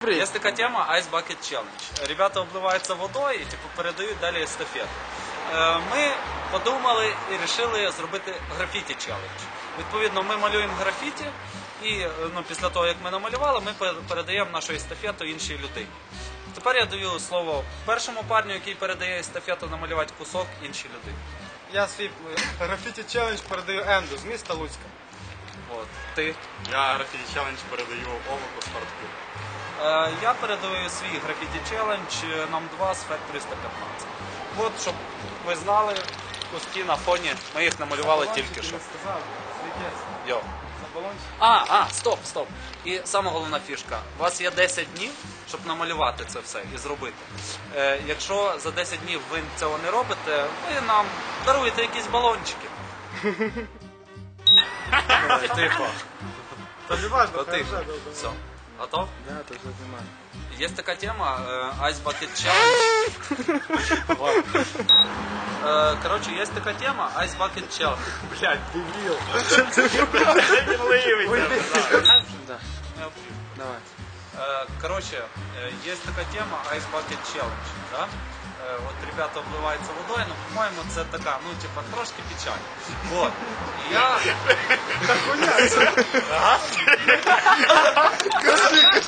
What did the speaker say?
привіт. Есть такая тема Ice Bucket Challenge. Ребята обливаються водою і передають далі естафету. Ми подумали і вирішили зробити графіті челендж. Відповідно, ми малюємо графіті і після того, як ми намалювали, ми передаємо нашу естафету іншій людині. Тепер я даю слово першому парню, який передає естафету, намалювати кусок іншій людині. Я свій графіті челендж передаю Енду з міста Луцька. От. Ти? Я графіті челендж передаю Овоку Спортклуб. Я передаю свій графіті челендж нам 2 з Factory 115. От, щоб ви знали, куски на фоні, ми їх намалювали тільки що. Йо. Стоп. І саме головна фішка. У вас є 10 днів, щоб намалювати це все і зробити. Якщо за 10 днів ви цього не робите, ви нам даруєте якісь балончики. Тихо. Та не важно, То тихо. хорошо, добре. Все. Готов? Да, то вже знімаю. Есть такая тема Ice Bucket Challenge. Короче, есть такая тема Ice Bucket Challenge. Блядь, дебіл. Да, давай. Короче, есть такая тема Ice Bucket Challenge. Да? Вот ребята обливаються водою, но, по-моему, це така, трошки печаль. Вот. І я...